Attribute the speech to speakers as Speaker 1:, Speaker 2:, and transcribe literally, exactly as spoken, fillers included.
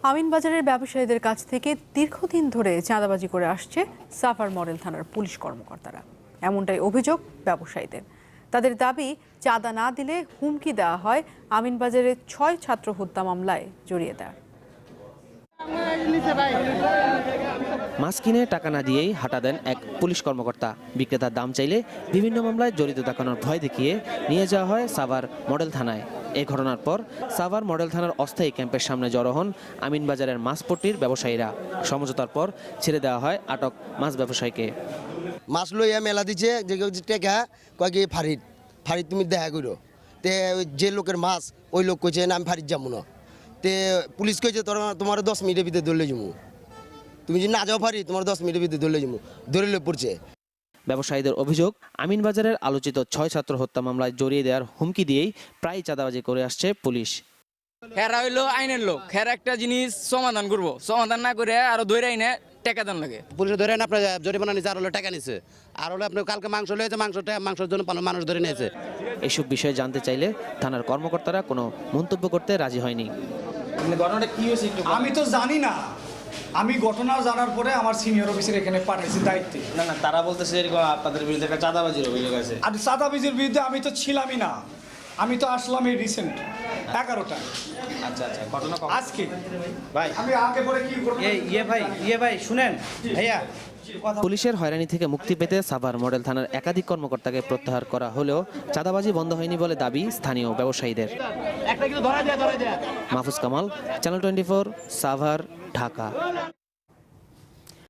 Speaker 1: আমিনবাজারের ব্যবসায়ীদের কাছ থেকে দীর্ঘদিন ধরে চাঁদাবাজি করে আসছে সাভার মডেল থানার পুলিশ কর্মকর্তারা। এমনটাই অভিযোগ ব্যবসায়ীদের। তাদের দাবি, চাঁদা না দিলে হুমকি দেওয়া হয় আমিনবাজারের ছয় ছাত্র হত্যা মামলায় জড়িয়ে দেয়।
Speaker 2: মাছ কিনে টাকা না দিয়েই হাঁটা দেন এক পুলিশ কর্মকর্তা। বিক্রেতার দাম চাইলে বিভিন্ন মামলায় জড়িত দেখানোর ভয় দেখিয়ে নিয়ে যাওয়া হয় সাভার মডেল থানায়। এ ঘটনার পর সাভার মডেল থানার অস্থায়ী ক্যাম্পের সামনে জড়ো হন আমিনবাজারের মাছপট্টির ব্যবসায়ীরা। সমঝোতার পর ছেড়ে দেওয়া হয় আটক মাছ ব্যবসায়ীকে।
Speaker 3: মাছ লইয়া মেলা দিচ্ছে যে টেকা কয়েক ফারিদ ফারিদ তুমি দেখা করো তে যে লোকের মাছ ওই লোক কইছে না আমি ফারিদ যাবো না। তে পুলিশ কইছে তোর তোমার দশ মিনিটের ভিতরে ধরলে যাবো, তুমি যদি না যাও ফারি তোমার দশ মিনিটের ভিতরে ধরলে যাবো, ধরলে পড়ছে।
Speaker 2: ব্যবসায়ীদের অভিযোগ, আমিনবাজারের আলোচিত ছয় ছাত্র হত্যা মামলায় জড়িয়ে দেওয়ার হুমকি দিয়েই প্রায় চাঁদাবাজি করে আসছে পুলিশ।
Speaker 4: হেরা হইলো আইনের লোক, হেরা একটা জিনিস সমাধান করবো, সমাধান না করে আরো ধরে আইনে টাকা দেন লাগে।
Speaker 5: পুলিশে ধরে আপনার জরিমানা নিচ্ছে, আর হলো টাকা নিচ্ছে, আর হলো আপনার কালকে মাংস লয়েছে, মাংসটা মাংসের জন্য মানুষ ধরে নিয়েছে।
Speaker 2: এসব বিষয়ে জানতে চাইলে থানার কর্মকর্তারা কোনো মন্তব্য করতে রাজি হয়নি।
Speaker 6: আমি তো জানি না, আমি ঘটনা জানার পরে আমার সিনিয়র অফিসার এখানে পাঠাইছি দায়িত্বে।
Speaker 7: না না তারা বলতেছে এরকম আপনাদের বিরুদ্ধে একটা চাঁদাবাজির অভিযোগ আছে।
Speaker 6: আর চাঁদাবাজির বিরুদ্ধে আমি তো ছিলামই না, আমি তো আসলাম এই রিসেন্ট এগারোটা।
Speaker 7: আচ্ছা আচ্ছা ঘটনা
Speaker 6: আজকে
Speaker 7: ভাই
Speaker 6: আমি আগে পরে কি করব?
Speaker 7: এই ইয়ে ভাই ইয়ে ভাই শুনেন ভাইয়া,
Speaker 2: পুলিশের হয়রানি থেকে মুক্তি পেতে সাভার মডেল থানার একাধিক কর্মকর্তাকে প্রত্যাহার করা হলেও চাঁদাবাজি বন্ধ হয়নি বলে দাবি স্থানীয় ব্যবসায়ীদের। Mahfuz Kamal, channel twenty four, Savar, Dhaka.